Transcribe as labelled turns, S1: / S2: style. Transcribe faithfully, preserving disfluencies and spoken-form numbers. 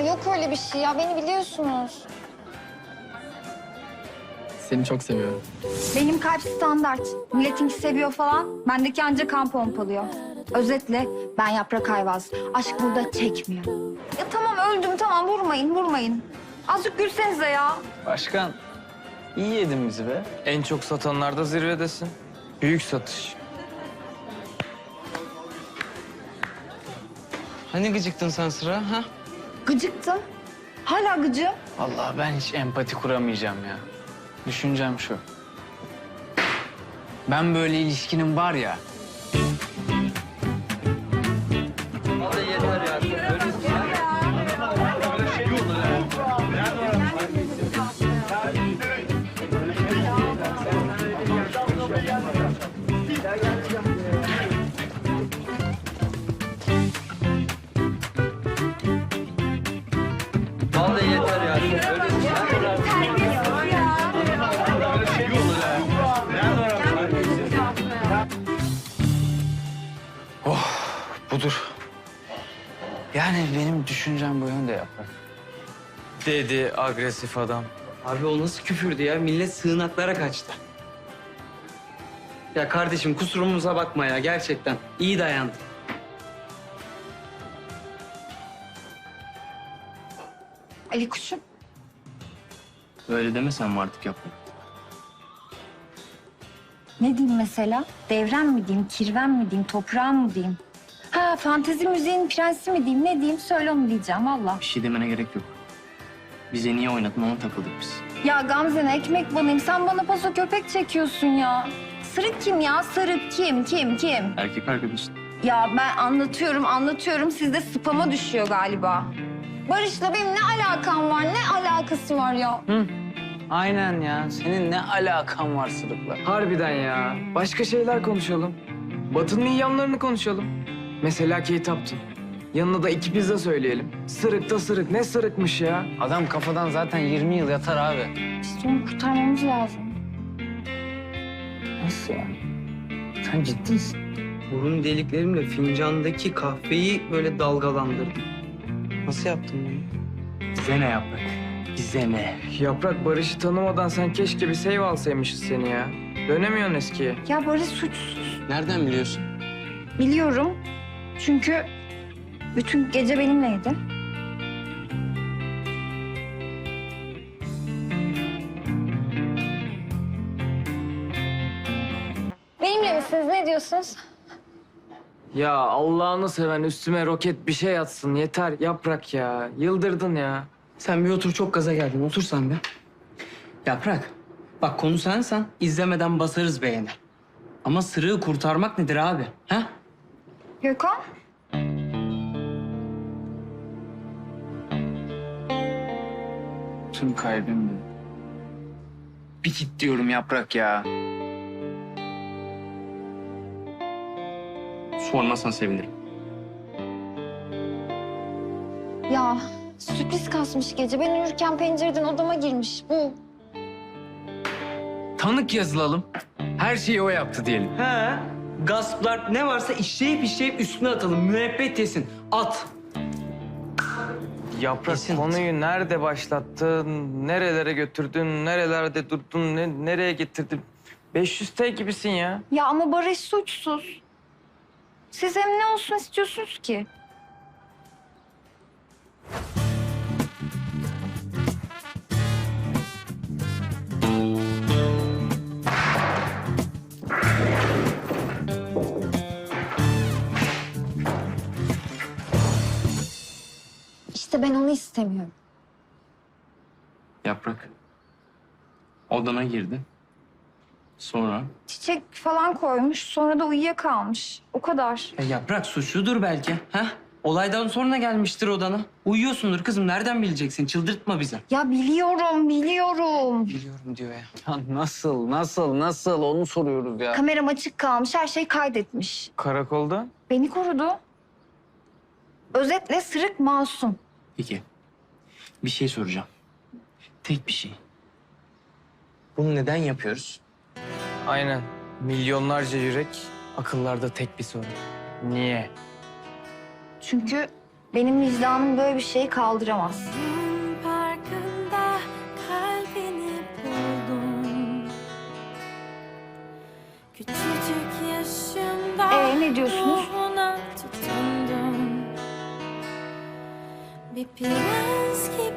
S1: yok öyle bir şey ya. Beni biliyorsunuz.
S2: Seni çok seviyorum.
S3: Benim kalp standart. Milletinki seviyor falan. Bendeki ancak kan pompalıyor. Özetle ben Yaprak Ayvaz. Aşk burada çekmiyor. Ya tamam öldüm tamam vurmayın vurmayın. Azıcık gülsenize ya.
S4: Başkan, iyi yedin bizi be. En çok satanlarda zirvedesin. Büyük satış. Hani gıcıktın sen Sıra, ha?
S3: Gıcıktım. Hala gıcığım.
S4: Vallahi ben hiç empati kuramayacağım ya. Düşüncem şu. Ben böyle ilişkinin var ya...
S5: Vallahi yeter ya.
S4: Budur. Yani benim düşüncem bu yönde Yaprak. Dedi agresif adam.
S5: Abi o nasıl küfürdü ya? Millet sığınaklara kaçtı. Ya kardeşim kusurumuza bakma ya gerçekten. İyi dayandın.
S3: Ali kuşum.
S2: Öyle demesen mi artık Yaprak?
S3: Ne diyeyim mesela? Devrem mi diyeyim, kirven mi diyeyim, toprağım mı diyeyim? Ha fantezi müziğin prensi mi diyeyim, ne diyeyim söyle onu diyeceğim valla.
S2: Bir şey demene gerek yok. Bize niye oynadın ona takıldık biz.
S3: Ya Gamze'ne ekmek banayım, sen bana paso köpek çekiyorsun ya. Sırık kim ya? Sırık kim? Kim? Kim?
S2: Erkek arkadaşın.
S3: Ya ben anlatıyorum, anlatıyorum. Sizde spama düşüyor galiba.
S1: Barış'la benim ne alakam var? Ne alakası var ya?
S4: Hı. Aynen ya. Senin ne alakan var Sırık'la?
S6: Harbiden ya. Başka şeyler konuşalım. Batı'nın iyi yanlarını konuşalım. Mesela Kate Upton. Yanına da iki pizza söyleyelim. Sırık da sırık. Ne sırıkmış ya?
S4: Adam kafadan zaten yirmi yıl yatar abi.
S3: İşte onu kurtarmamız lazım.
S4: Nasıl ya? Sen ciddisin.
S5: Burun deliklerimle fincandaki kahveyi böyle dalgalandırdım. Nasıl yaptın bunu?
S2: Bize ne Yaprak? Bize ne?
S6: Yaprak Barış'ı tanımadan sen keşke bir save alsaymışız seni ya. Dönemiyorsun eskiye.
S3: Ya Barış suçsuz.
S2: Nereden biliyorsun?
S3: Biliyorum. Çünkü bütün gece benimleydi.
S1: Benimle misiniz? Ne diyorsunuz?
S6: Ya Allah'ını seven üstüme roket bir şey atsın. Yeter Yaprak ya. Yıldırdın ya.
S5: Sen bir otur, çok gaza geldin. Otur sen bir. Yaprak, bak konu sensen izlemeden basarız beğeni. Ama sırığı kurtarmak nedir abi? Ha?
S3: Gökhan?
S4: Tüm kalbimle. Bir git diyorum Yaprak ya.
S2: Sormasan sevinirim.
S1: Ya sürpriz kasmış gece. Ben uyurken pencereden odama girmiş. Bu.
S4: Tanık yazılalım. Her şeyi o yaptı diyelim.
S5: He. Gasplar ne varsa işleyip işleyip üstüne atalım. Müebbet yesin. At.
S6: Yaprak
S5: Kesin.
S6: konuyu nerede başlattın, nerelere götürdün, nerelerde durdun, ne, nereye getirdin? beş yüz T gibisin ya.
S3: Ya ama Barış suçsuz. Siz hem ne olsun istiyorsunuz ki?
S1: İşte ben onu istemiyorum.
S2: Yaprak. Odana girdi. Sonra
S3: Çiçek falan koymuş, sonra da uyuyakalmış. O kadar.
S5: Ya Yaprak suçludur belki. Ha? Olaydan sonra gelmiştir odana. Uyuyorsundur kızım. Nereden bileceksin? Çıldırtma bizi.
S3: Ya biliyorum, biliyorum.
S5: Biliyorum diyor ya.
S4: Ya nasıl, nasıl, nasıl onu soruyoruz ya.
S3: Kameram açık kalmış, her şey kaydetmiş.
S6: Karakolda.
S3: Beni korudu. Özetle sırık masum.
S2: peki. Bir şey soracağım. Tek bir şey.
S5: Bunu neden yapıyoruz?
S6: Aynen. Milyonlarca yürek, akıllarda tek bir soru. Niye?
S3: Çünkü Benim vicdanım böyle bir şeyi kaldıramaz.
S7: Parkında kalbini buldum. Küçücük yaşımda
S3: Ee, ne diyorsunuz?
S7: ruhuna tutundum. Bir prens gibi